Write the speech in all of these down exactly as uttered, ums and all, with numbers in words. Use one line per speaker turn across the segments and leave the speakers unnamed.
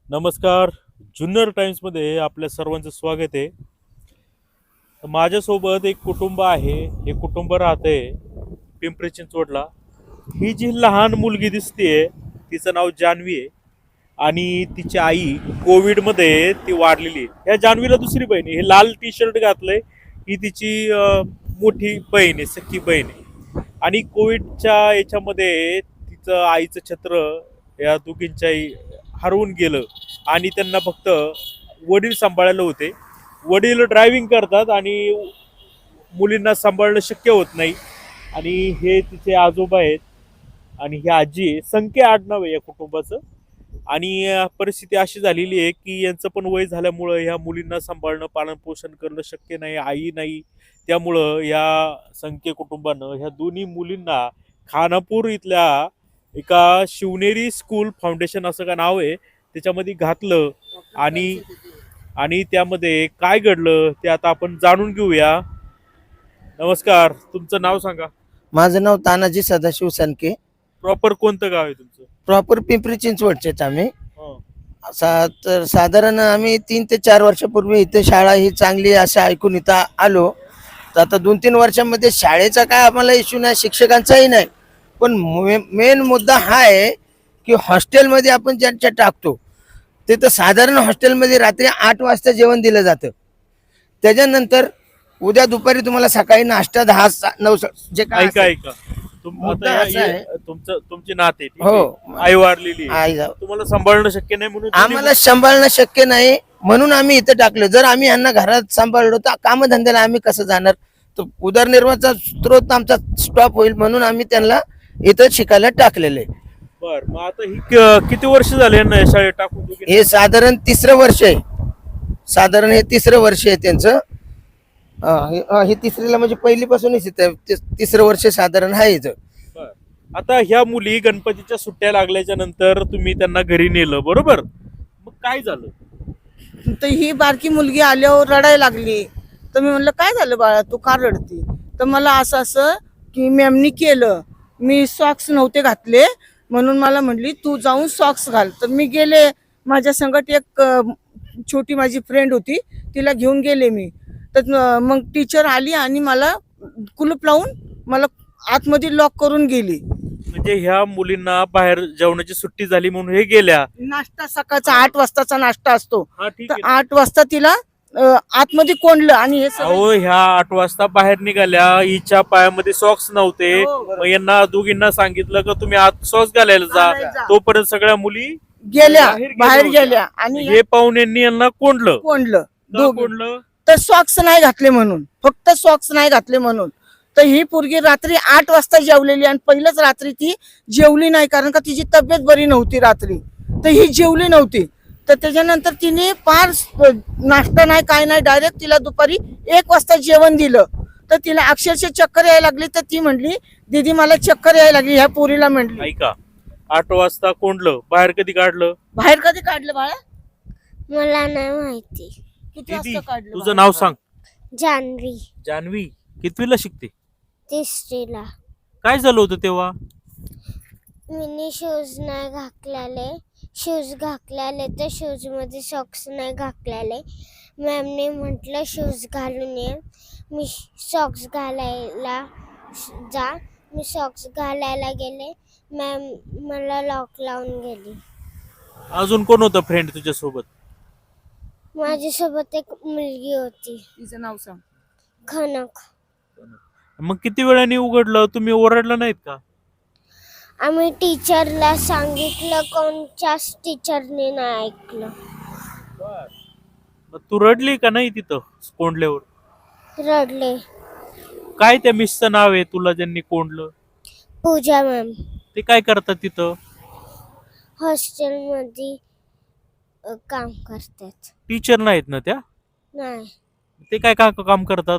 नमस्कार. जुन्नर टाइम्समध्ये आपल्या सर्वांचं स्वागत आहे. माझ्यासोबत एक कुटुंब आहे. हे कुटुंब राहते पिंपरी चिंचवडला. ही जी लहान मुलगी दिसते तिचं नाव जान्हवी आहे आणि तिची आई कोविडमध्ये ती वारलेली आहे. ह्या जान्हवीला दुसरी बहीण आहे. हे लाल टी शर्ट घातलंय ही तिची अं, मोठी बहीण आहे, सख्खी बहीण आहे. आणि कोविडच्या याच्यामध्ये तिचं आईचं छत्र या दोघींच्याही हरवून गेलं आणि त्यांना फक्त वडील सांभाळायला होते. वडील ड्रायव्हिंग करतात आणि मुलींना सांभाळणं शक्य होत नाही. आणि हे तिचे आजोबा आहेत आणि ही आजी आहे. संख्या आडनाव आहे या कुटुंबाचं. आणि अं, परिस्थिती अशी झालेली आहे की यांचं पण वय झाल्यामुळं ह्या मुलींना सांभाळणं, पालनपोषण करणं शक्य नाही, आई नाही. त्यामुळं या संख्या कुटुंबानं ह्या दोन्ही मुलींना खानापूर इथल्या एका शिवनेरी स्कूल फाउंडेशन असं का नाव आहे त्याच्यामध्ये घातलं. आणि आणि त्यामध्ये काय घडलं ते आता आपण जाणून घेऊया. नमस्कार, तुमचं नाव सांगा.
माझं नाव तानाजी सदाशिव सनके.
प्रॉपर कोणतं गाव आहे तुमचं?
प्रॉपर पिंपरी चिंचवडचेच आम्ही.
हं.
सा तर साधारण आम्ही तीन ते चार वर्षापूर्वी इथे शाळा ही चांगली आहे असं ऐकून इथं आलो. तर आता दोन तीन वर्षांमध्ये शाळेचा काय आम्हाला इश्यू नाही, शिक्षकांचाही नाही. पण मेन मुद्दा हा आहे की हॉस्टेलमध्ये आपण ज्यांच्या टाकतो ते तर साधारण हॉस्टेलमध्ये रात्री आठ वाजता जेवण दिलं जातं. त्याच्यानंतर उद्या दुपारी तुम्हाला सकाळी नाश्ता दहा सा- नऊ सा- जे काय
ऐका
असेल.
ऐका तुम
मुद्दा
आता
असा
या-
आहे.
या- तुमचं तुमची नाते ठीक
हो.
आहे? आई वारलेली आहे.
आई जाऊ.
तुम्हाला सांभाळणं शक्य नाही म्हणून तुम्ही-
आम्हाला सांभाळणं शक्य नाही म्हणून आम्ही इथं टाकलं. जर आम्ही यांना घरात सांभाळलो तर कामधंद्याला आम्ही कसं जाणार. तर उदरनिर्वाहाचा स्त्रोत आमचा स्टॉप होईल म्हणून आम्ही त्यांना इथं शिकायला टाकलेले.
बर, मग आता ही क- किती वर्ष झाले यांना या शाळेत टाकून दोघींना?
हे साधारण तिसरं वर्ष आहे. साधारण हे तिसरं वर्ष आहे त्यांचं. अं, हे अं, हे तिसरीला म्हणजे पहिलीपासूनच इथं ति- तिसरं वर्ष साधारण आहे इथं.
बर. आता ह्या मुली गणपतीच्या सुट्ट्या लागल्याच्या नंतर तुम्ही त्यांना घरी नेलं, बरोबर? मग काय झालं?
तर ही बारकी मुलगी आल्यावर रडायला लागली. तर मी म्हणलं काय झालं बाळा, तू का रडती? तर मला असं असं की मॅमनी केलं, मी सॉक्स नव्हते घातले म्हणून मला म्हणली तू जाऊन सॉक्स घाल. तर मी गेले. माझ्या संगत एक अ, छोटी माझी फ्रेंड होती, तिला घेऊन गेले मी. तर अ, मग टीचर आली आणि मला कुलूप लावून मला आतमध्ये लॉक करून गेली.
म्हणजे ह्या मुलींना बाहेर जेवणाची सुट्टी झाली म्हणून हे गेल्या.
नाश्ता सकाळचा आठ वाजताचा नाश्ता असतो.
हा ठीक
तर
आहे.
आठ वाजता तिला अ, आतमध्ये कोंडलं आणि हे सगळं
अहो, ह्या आठ वाजता बाहेर निघाल्या, हिच्या पायामध्ये सॉक्स नव्हते.
हो,
मग यांना दोघींना सांगितलं का तुम्ही आत सॉक्स घालायला
घालायला
जा.
जा.
तोपर्यंत सगळ्या मुली
गेल्या
बाहेर गेल्या
बाहेर
होत्या.
गेल्या आणि
हे पाहून यांनी यांना कोंडलं.
कोंडलं
का
दोघं.
कोंडलं?
तर सॉक्स नाही घातले म्हणून, फक्त सॉक्स नाही घातले म्हणून. तर ही पोरगी रात्री आठ वाजता जेवलेली आणि पहिलंच रात्री ती जेवली नाही कारण का तिची तब्येत बरी नव्हती रात्री. तर ही जेवली नव्हती. तर त्याच्यानंतर तिने फार नाश्ता नाही काय नाही, डायरेक्ट तिला दुपारी एक वाजता जेवण दिलं. तर तिला अक्षरशः चक्कर यायला लागली. तर ती म्हणली दीदी मला चक्कर यायला लागली. ह्या पोरीला म्हणली.
ऐका, आठ वाजता कोंडलं, बाहेर कधी काढलं?
बाहेर कधी काढलं बाळा?
मला नाही माहिती.
किती
दीदी,
वाजता काढलं
तुझं
बाळा?
नाव सांग.
जान्हवी.
जान्हवी कितवीला शिकते?
तिसरीला.
काय झालं होतं तेव्हा?
मिनी शूज नाही घातलेले. शूज घातलेले तर शूज मध्ये सॉक्स नाही घातलेले. मॅमने म्हटलं शूज घालून ये. मी सॉक्स घालायला जा. मी सॉक्स घालायला गेले. मॅम मला लॉक लावून गेली.
अजून कोण होतं फ्रेंड तुझ्या सोबत?
माझ्यासोबत एक मुलगी होती,
तिचं नाव सांग.
खनक.
मग किती वेळाने उघडलं? तुम्ही ओरडलं नाहीत का?
आम्ही टीचरला सांगितलं, कोणच्याच टीचरने नाही ऐकलं.
मग तू रडली का नाही तिथं कोंडल्यावर?
रडले.
काय त्या मिसचं नाव आहे तुला ज्यांनी कोंडलं?
पूजा मॅम.
ते काय करतात तिथं?
हॉस्टेलमध्ये अ, काम करतात.
टीचर नाहीत ना त्या?
नाही,
ते काय का काम करतात?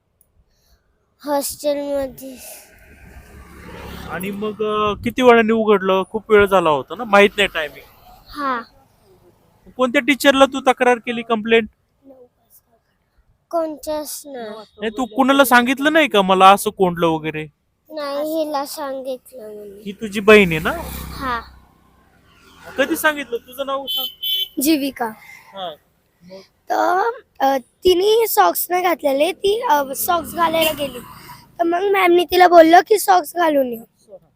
हॉस्टेलमध्ये
आणि मग अं, किती वेळाने उघडलं? खूप वेळ झाला होता ना, माहित नाही टायमिंग.
हा.
कोणत्या टीचरला तू तक्रार केली, कंप्लेंट?
कोणच्याच नाही.
नाही, तू कुणाला सांगितलं नाही का मला असं कोंडलं वगैरे?
नाही, हिला सांगितलं म्हणून.
ही तुझी बहीण आहे ना?
हा.
कधी सांगितलं? तुझं नाव सांग.
जीविका.
हा.
तर अ, तिने सॉक्स नाही घातलेले, ती सॉक्स घालायला गेली. तर मग मॅमनी तिला बोललं की सॉक्स घालून ये,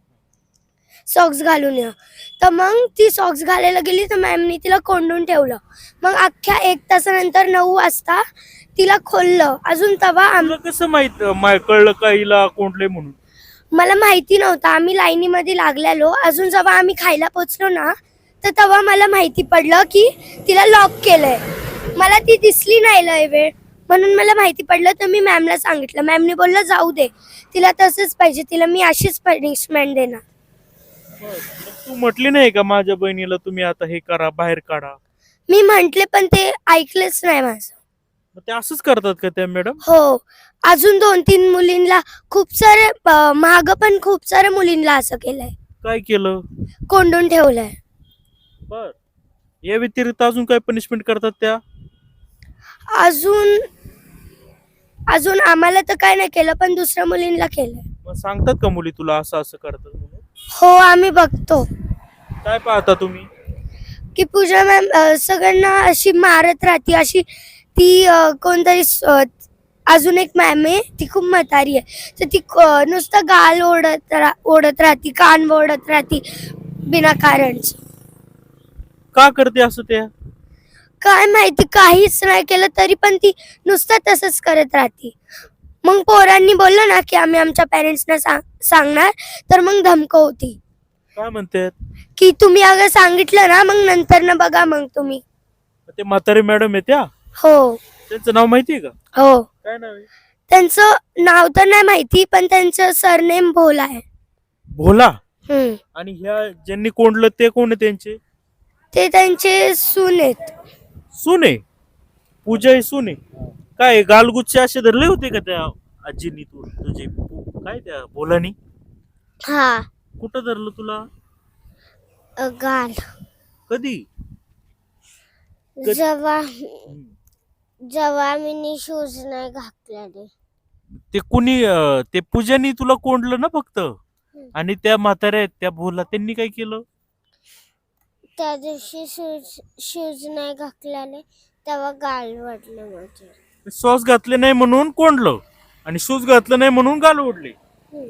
सॉक्स घालून ये. तर मग ती सॉक्स घालायला गेली तर मॅमनी तिला कोंडून ठेवलं. मग अख्ख्या एक तासानंतर नऊ वाजता तिला खोललं. अजून तेव्हा आम
तुला कसं माहित मा- कळलं का हिला कोंडले म्हणून?
मला माहिती नव्हतं. आम्ही लाईनीमध्ये लागलेलो. अजून जेव्हा आम्ही खायला पोचलो ना, तर तेव्हा मला माहिती पडलं की तिला लॉक केलंय. मला ती दिसली नाही लय वेळ, म्हणून मला माहिती पडलं. तर मी मॅमला सांगितलं. मॅमने बोललं जाऊ दे, तिला तसंच पाहिजे, तिला मी अशीच पनिशमेंट देणार.
मग तू म्हटली नाही का माझ्या बहिणीला तुम्ही आता हे करा, बाहेर काढा?
मी म्हंटले पण ते ऐकलंच नाही माझं.
मग ते असंच करतात का त्या मॅडम?
हो, अजून दोन तीन मुलींना खूप सारे महाग पण खूप साऱ्या मुलींना असं केलंय,
काय केलं?
कोंडून ठेवलंय.
बर, या व्यतिरिक्त अजून काय पनिशमेंट करतात त्या?
अजून अजून आम्हाला तर काय नाही केलं, पण दुसऱ्या मुलींना केलंय.
मग सांगतात का मुली तुला असं असं करतात म्हणून?
हो, आम्ही बघतो
काय पाहता तुम्ही?
की पूजा मॅम सगळ्यांना अशी मारत राहते. अशी ती अ, कोणतरी स- अ, अजून एक मॅम आहे, ती खूप म्हातारी आहे. तर ती क- नुसतं गाल ओढत रा ओढत राहते, कान ओढत राहते बिनाकारणच.
का करते असं त्या?
काय माहिती, काहीच नाही केलं तरी पण ती नुसतं तसंच करत राहते. मग पोरांनी बोललं ना की आम्ही आमच्या पॅरेंट्सना सांग सांगणार तर मग धमकवती
काय म्हणतात?
की तुम्ही अगर सांगितलं ना मग नंतर ना बघा मग तुम्ही.
ते म्हातारे मॅडम आहे त्या?
हो
त्यांचं नाव माहितीये का?
हो,
काय नाव आहे?
त्यांचं नाव तर नाही माहिती, पण त्यांचं सरनेम भोला आहे.
भोला.
हम्म.
आणि ह्या ज्यांनी कोंडलं ते कोण आहे त्यांचे?
ते त्यांचे सून आहेत.
सुने? पूजा ही सुने? काय गालगुच्चे असे धरले होते का त्या आजीनी तू तुझे पु- काय त्या भोलानी?
हा
कुठं धरलं तुला?
अ, गाल.
कधी? कधी?
जेव्हा
हम्म.
जेव्हा मी शूज नाही घातलेले.
ते कुणी अं, ते पूजानी तुला कोंडलं ना फक्त? आणि त्या म्हाताऱ्या आहेत त्या भोला, त्यांनी काय केलं?
त्या दिवशी शूज शूज नाही घातलेले तेव्हा गाल वाटलं माझे.
सॉस घातले नाही म्हणून कोंडलं आणि शूज घातलं नाही म्हणून गाल ओढले.
हम्म.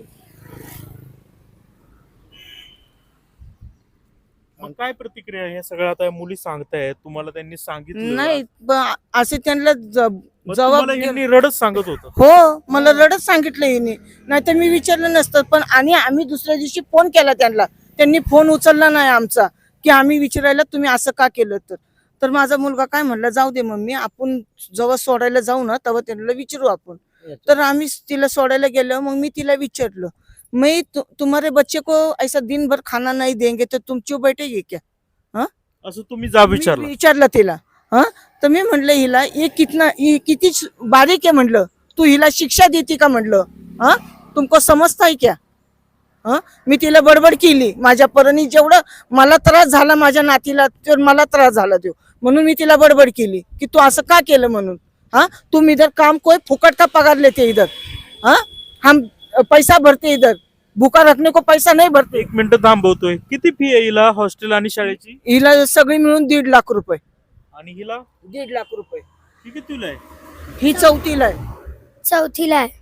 मग काय प्रतिक्रिया ह्या सगळ्या आता मुली सांगतायत तुम्हाला? त्यांनी सांगितलं
नाही ब- असे त्यांना ज-
मग
जबाब
तुम्हाला ह्यांनी रडत सांगत होतं?
हो, मला रडत सांगितलं हिने, नाही तर मी विचारलं नसतं. पण आणि आम्ही दुसऱ्या दिवशी फोन केला त्यांना, त्यांनी फोन उचलला नाही आमचा, की आम्ही विचारायला तुम्ही असं का केलं. तर तर माझा मुलगा काय म्हणला, जाऊ दे मम्मी, आपण जेव्हा सोडायला जाऊ ना तेव्हा त्यांना विचारू आपण. तर आम्ही तिला सोडायला गेलो. मग मी तिला विचारलं, मैं तु, तुम्हारे बच्चे को ऐसा दिन भर खाना नहीं देंगे तो तुम चुप बैठेगी क्या? हाँ,
असं तुम्ही जा
मी
विचारलं?
विचारलं तिला. हा, तर मी म्हणलं हिला हे कितना हे किती बारीक आहे म्हणलं, तू हिला शिक्षा देते का म्हणलं. हा, तुमको समजता है क्या? हा, मी तिला बडबड केली. माझ्या परीने जेवढं मला त्रास झाला माझ्या नातीला, तर मला त्रास झाला तो, म्हणून मी तिला बडबड केली की तू असं का केलं म्हणून. हाँ, तुम इधर काम कोई फुकट का पगार लेते इधर. हाँ, हम पैसा भरते इधर, भूखा रखने को पैसा नहीं भरते.
एक मिनिट थांबवतोय. किती फी आहे हिला हॉस्टेल आणि शाळेची?
हिला सगळी मिळून दीड लाख रुपये.
आणि हिला
दीड लाख रुपये.
ही कितीला आहे?
ही चौथीला आहे.
चौथीला आहे.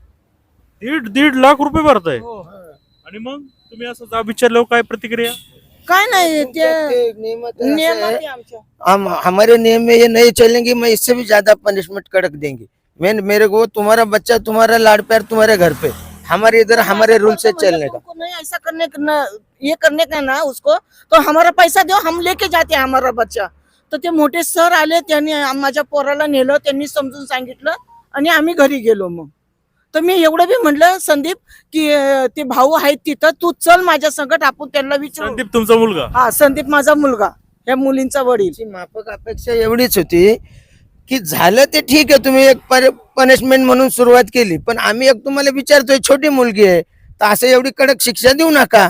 दीड दीड लाख रुपये भरताय? आणि मग तुम्ही असं जा विचारल्यावर काय प्रतिक्रिया?
काय नाही ते
नियमात असं
नियमात
है,
आहे आमच्या.
हम हमारे नियम में ये नहीं चलेंगे, मैं इससे भी ज्यादा पनिशमेंट कड़क देंगे. मैं मेरे को तुम्हारा बच्चा तुम्हारा लाड़ प्यार तुम्हारे घर पे, हमारे इधर हमारे रूल से चलने का.
तुमको नहीं ऐसा करने का ना, ये करने का ना उसको, तो हमारा पैसा दो, हम लेके जाते हैं हमारा बच्चा. तर ते मोठे सर आले, त्यांनी माझ्या पोराला नेलं, त्यांनी समजून सांगितलं आणि आम्ही घरी गेलो. मग तर मी एवढं बी म्हणलं संदीप की अं, ते भाऊ आहेत तिथं, तू चल माझ्या संगत, आपण त्यांना विचारू.
संदीप तुमचा मुलगा?
हा, संदीप माझा मुलगा, या मुलींचा वडील.
आमची माफक अपेक्षा एवढीच होती की झालं ते ठीक आहे, तुम्ही एक पनिशमेंट म्हणून सुरुवात केली, पण आम्ही एक तुम्हाला विचारतोय, छोटी मुलगी आहे तर असं एवढी कडक शिक्षा देऊ नका.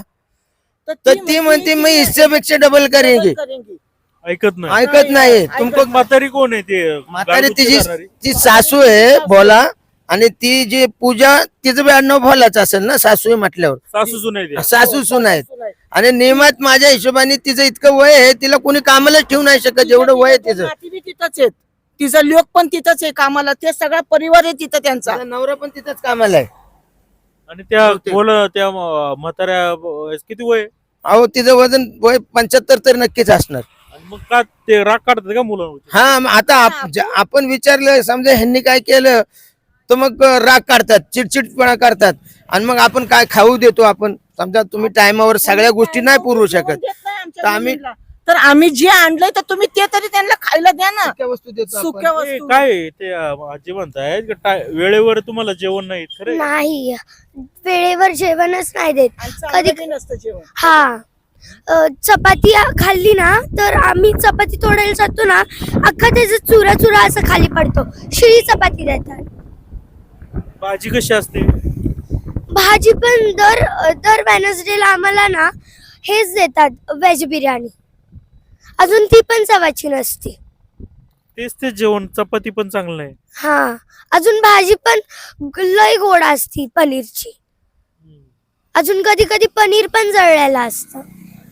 तर ती म्हणते मी इससेपेक्षा डबल करेंगे.
करेंगे.
ऐकत नाही?
ऐकत नाही.
ऐकत
तुमको
म्हातारी कोण आहे ते?
म्हातारी
गालगुच्चे
तिची
धरणारी?
ती सासू आहे भोला, आणि ती जी पूजा तिचं बी आडनाव भोलाच असेल ना, सासू म्हटल्यावर
सासू सुनाई द्या.
सासू सून आहेत. आणि नियमात माझ्या हिशोबाने तिचं इतकं वय आहे, तिला कोणी कामाला ठेवू नाही शकत जेवढं वय आहे तिचं.
नाती बी तिथंच आहेत, तिचा लोक पण तिथंच आहे कामाला, ते सगळा परिवार आहे तिथं त्यांचा.
तिचा नवरा पण तिथंच कामाला आहे.
आणि त्या
बहुतेक.
बोल त्या म- म्हाताऱ्या ब- किती वय आहे?
अहो तिचं वजन वय पंच्याहत्तर तर नक्कीच असणार.
आणि मग का ते राग काढतात का मुलांवर?
हा मग आता आप- ज- आपण विचारलं समजा ह्यांनी काय केलं तर मग राग काढतात, चिडचिडपणा करतात, आणि मग आपण काय खाऊ देतो. आपण समजा तुम्ही टायमावर सगळ्या गोष्टी नाही पुरवू शकत,
देत नाही आमच्या
तर आम्ही-
मुलीला. तर आम्ही जे आणलंय तर तुम्ही ते तरी त्यांना खायला द्या ना.
सुक्या वस्तू देतो आपण.
सुक्या
ते
वस्तू
काय आहे? ते अं, आजी म्हणतायत की टा- वेळेवर तुम्हाला जेवण नाही खरं आहे?
नाही, वेळेवर जेवणच नाही देत.
आणि चांगलं
कधी-
बी नसतं जेवण.
हा अ, चपाती खाल्ली ना तर आम्ही चपाती तोडायला जातो ना, अख्खा त्याचा चुरा चुरा असं खाली पडतो. शिळी चपाती देतात.
भाजी कशी असते?
भाजी पण दर दर वेनसडेला आम्हाला ना हेच देतात, व्हेज बिर्याणी. अजून ती पण चवाची नसते.
तेच ते जेवण, चपाती पण चांगलं नाही.
हा, अजून भाजी पण लय गोड असती पनीरची. अजून कधी कधी पनीर पण जळलेलं असतं.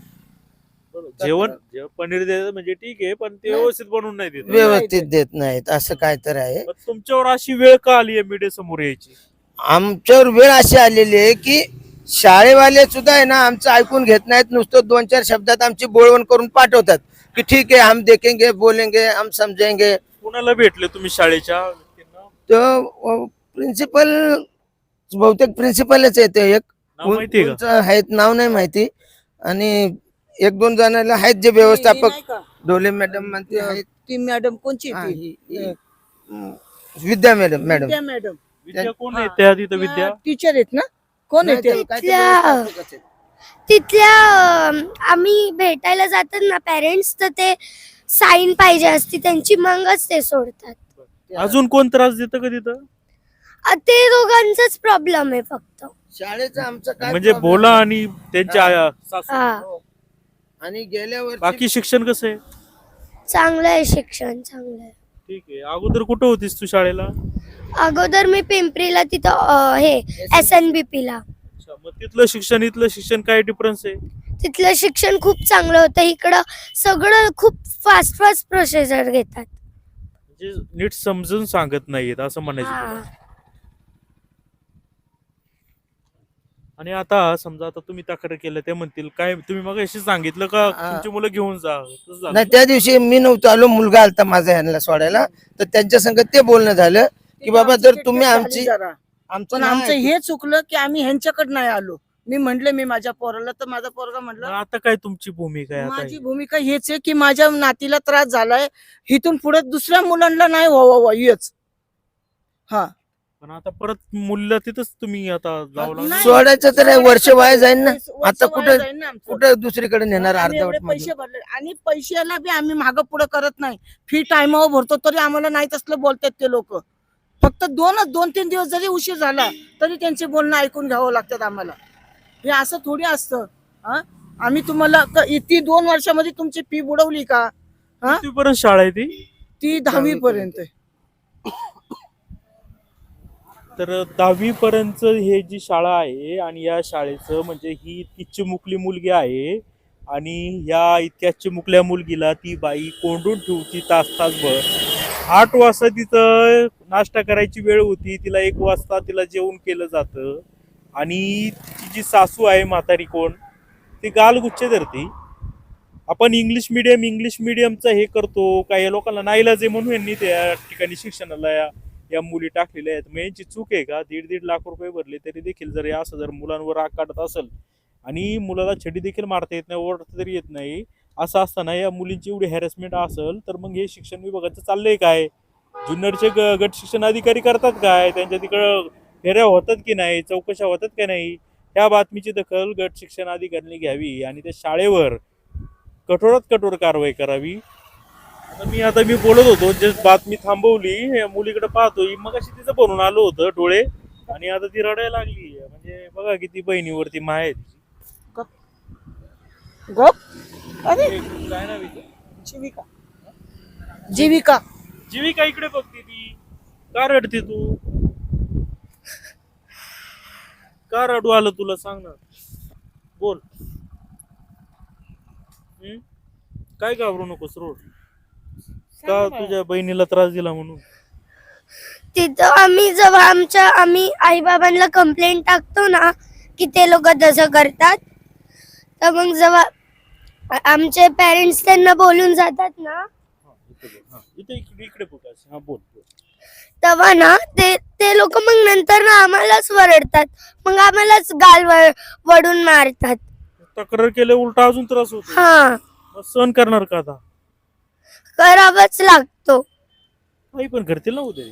जेवण जेवण पनीर द्यायचं म्हणजे ठीक आहे, पण ते व्यवस्थित बनवून नाही देत.
व्यवस्थित देत नाहीत, असं काय तर आहे.
पण तुमच्यावर अशी वेळ का आली आहे मीडिया समोर यायची?
आमच्यावर वेळ अशी आलेली आहे की शाळेवाले सुद्धा आहे ना आमचं ऐकून घेत नाहीत. नुसतं दोन चार शब्दात आमची बोलवण करून पाठवतात की ठीक आहे हम देखेंगे, बोलेंगे, हम समजेंगे.
कुणाला भेटले तुम्ही शाळेच्या व्यक्तींना?
तर प्रिन्सिपल बहुतेक प्रिन्सिपलच येते. एक
नाव माहितीये का?
कोणचं आहेत नाव नाही माहिती, आणि एक दोन जणांना आहेत जे व्यवस्थापक,
नाही का?
डोले मॅडम म्हणते आहेत.
ती मॅडम कोणची
हा,
ती?
ही- ही- हम्म, विद्या मॅडम मॅडम
त्या मॅडम
विद्या कोण आहे त्या तिथं विद्या?
टीचर आहेत ना? कोण
नाही,
आहे
ते
ते?
काहीतरी
त्या-
व्यवस्थापकच आहेत.
तिथल्या अं, आम्ही भेटायला जातात ना पेरेंट्स, तर ते साईन पाहिजे असती त्यांची, मगच ते सोडतात.
अजून कोण त्रास देतं का तिथं?
अ, ते दोघांचाच प्रॉब्लेम आहे फक्त.
शाळेचं आमचं काय
म्हणजे
problem
बोला
नाही.
आणि त्यांच्या आया- सासू.
हा,
आणि गेल्या वर्षी
बाकी शिक्षण कसं आहे?
चांगलं आहे शिक्षण, चांगलं आहे.
ठीक आहे. अगोदर कुठं होतीस तू शाळेला?
अगोदर मी पिंपरीला तिथं अ, हे एस एन बी पी ला.
अच्छा, मग तिथलं शिक्षण इथलं शिक्षण काय डिफरन्स आहे?
तिथलं शिक्षण खूप चांगलं होतं. इकडं सगळं खूप फास्ट फास्ट प्रोसिजर घेतात.
म्हणजे नीट समजून सांगत नाहीयेत असं म्हणायचं तुला.
हा.
आणि आता समजा आता तुम्ही तक्रार केलं ते म्हणतील काय, तुम्ही मग अशी सांगितलं का
हा.
तुमची मुलं घेऊन जा, तसं झालं?
नाही, त्या दिवशी मी नव्हतो आलो, मुलगा आलता माझा ह्यांना सोडायला, तर त्यांच्या संग ते बोलणं झालं की बाबा जर तुम्ही आमची
जरा.
आमचं
पण
नाही
आमचं
ऐकलं.
हे चुकलं की आम्ही ह्यांच्याकडे नाही आलो. मी म्हंटले मी माझ्या पोराला, तर माझा पोरगा
मग
म्हटलं
आता काय तुमची भूमिका आहे आता?
माझी भूमिका हेच आहे की माझ्या नातीला त्रास झालाय, इथून पुढे दुसऱ्या मुलांना नाही व्हावं हेच. हा,
पण आता परत मुलीला तिथंच तुम्ही आता जावं लागलं.
नाही.
सोडायचं तर आहे, वर्ष वाया जाईल ना.
वर्ष
आता
वाया
कुठं
जाईल ना आमचं.
कुठं दुसरीकडे नेणार
आणि एवढे
अर्धवट
पैसे भरले, आणि पैशाला बी आम्ही मागं पुढे करत नाही. फी टायमावर भरतो तरी आम्हाला नाही तसलं बोलतात ते लोक. फक्त दोनच दोन तीन दिवस जरी उशीर झाला तरी त्यांचे बोलणं ऐकून घ्यावं लागतात आम्हाला. हे असं थोडी असतं. हा, आम्ही तुम्हाला क- ती दोन वर्षामध्ये तुमची फी बुडवली का? हा,
कितवीपर्यंत शाळा आहे ती?
ती दहावी पर्यंत.
तर दहावी पर्यंत हे जी शाळा आहे, आणि या शाळेचं म्हणजे ही इतकी चिमुकली मुलगी आहे, आणि या इतक्या चिमुकल्या मुलगीला ती बाई कोंडून ठेवती तास तासभर. आठ वाजता तिथं नाश्ता करायची वेळ होती, तिला एक वाजता तिला जेवण केलं जातं, आणि तिची जी सासू आहे म्हातारी कोण, ती गालगुच्छ धरती. आपण इंग्लिश मिडियम इंग्लिश मिडियमचं हे करतो, काही लोकांना नाईलाज आहे म्हणून यांनी त्या ठिकाणी शिक्षणाला या या मुली टाकलेल्या आहेत. मग यांची चूक आहे का? दीड दीड लाख रुपये भरले तरी देखील जर या असं जर मुलांवर राग काढत असेल, आणि मुलाला छडी देखील मारता येत नाही, ओरडता तरी येत नाही, असं असताना या मुलींची एवढी हॅरेसमेंट असेल, तर मग हे शिक्षण विभागाचं चाललंय काय? जुन्नरचे ग गट शिक्षण अधिकारी करतात काय? त्यांच्या तिकडं फेऱ्या होतात की नाही, चौकशा होतात की नाही, ह्या बातमीची दखल गट शिक्षण अधिकाऱ्यांनी घ्यावी, आणि त्या शाळेवर कठोरात कठोर कारवाई करावी. आता मी आता मी बोलत होतो, जे बातमी थांबवली, या मुलीकडे पाहतोय, मग अशी तिचं बनून आलो होतं डोळे, आणि आता ती रडायला लागली. म्हणजे बघा किती बहिणीवरती माय आहे तिची.
गप. अरे
काय नाव हिचं?
जीविका, जीविका.
जीविका इकडे बघते ती, का रडते तू? का रडू आलं तुला सांग ना, बोल. हम्म? काय घाबरू नकोस रोड, का तुझ्या बहिणीला त्रास दिला म्हणून?
तिथं आम्ही जेव्हा आमच्या आम्ही आई बाबांना कंप्लेंट टाकतो ना की ते लोक तसं करतात, तर मग जेव्हा आमचे पेरेंट्स त्यांना बोलून जातात ना,
हा, इथे बोल. हा, इथे इकडे इकडे फोकस. हा बोल बोल.
तेव्हा ना ते ते लोक मग नंतर ना आम्हालाच वरडतात, मग आम्हालाच गाल व- वडून मारतात.
तक्रार केले उलटा अजून त्रास होतो.
हा,
मग सहन करणार का आता?
करावाच लागतो.
काही पण करतील ना उद्या.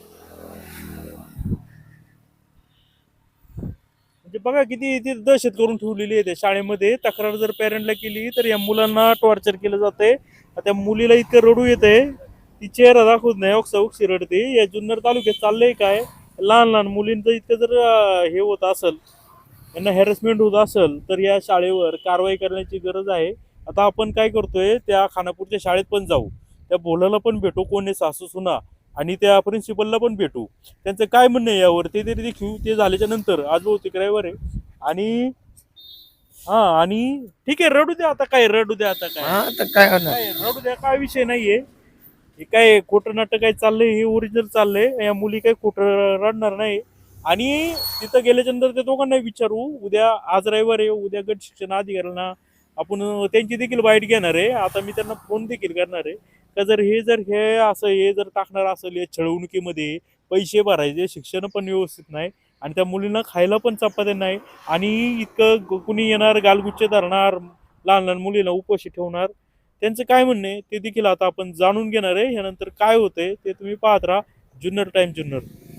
म्हणजे बघा किती ती दहशत करून ठेवलेली आहे त्या शाळेमध्ये. तक्रार जर पॅरेंटला केली तर या मुलांना टॉर्चर केलं जातंय. त्या मुलीला इतकं रडू येतंय, ती चेहरा दाखवत नाही, ओक्सा ओक्सी रडते. या जुन्नर तालुक्यात चाललंय काय, लहान लहान मुलींचं इतकं जर अं, हे होत असेल, यांना हॅरेसमेंट होत असेल, तर या शाळेवर कारवाई करण्याची गरज आहे. आता आपण काय करतोय, त्या खानापूरच्या शाळेत पण जाऊ, त्या बोलायला पण भेटू, कोण आहे सासू सुना, आणि त्या प्रिन्सिपलला पण भेटू, त्यांचं काय म्हणणं आहे यावर ते तरी देखील. ते झाल्याच्या नंतर आज बहुतेक रविवार आहे, आणि हा आणि ठीक आहे, रडू द्या आता, काय रडू द्या आता, काय
हा तर काय होणार.
काय रडू द्या, काय विषय नाहीये. हे काय खोटं नाटक काय चाललंय, हे ओरिजिनल चाललंय. या मुली काय खोटं रडणार नाही. आणि तिथं गेल्याच्या नंतर त्या दोघांना विचारू, उद्या आज रविवार आहे, उद्या गट शिक्षण अधिकाऱ्यांना आपण त्यांची देखील बाईट घेणार आहे. आता मी त्यांना फोन देखील करणार आहे का, जर हे जर हे असं हे जर टाकणार असेल या छळवणुकीमध्ये, पैसे भरायचे, शिक्षण पण व्यवस्थित नाही, आणि त्या मुलींना खायला पण चपात्या नाही, आणि इतकं कुणी येणार गालगुच्चे धरणार, लहान लहान मुलींना उपाशी ठेवणार, त्यांचं काय म्हणणं आहे ते देखील आता आपण जाणून घेणार आहे. यानंतर काय होतंय ते तुम्ही पाहत राहा जुन्नर टाइम जुन्नर.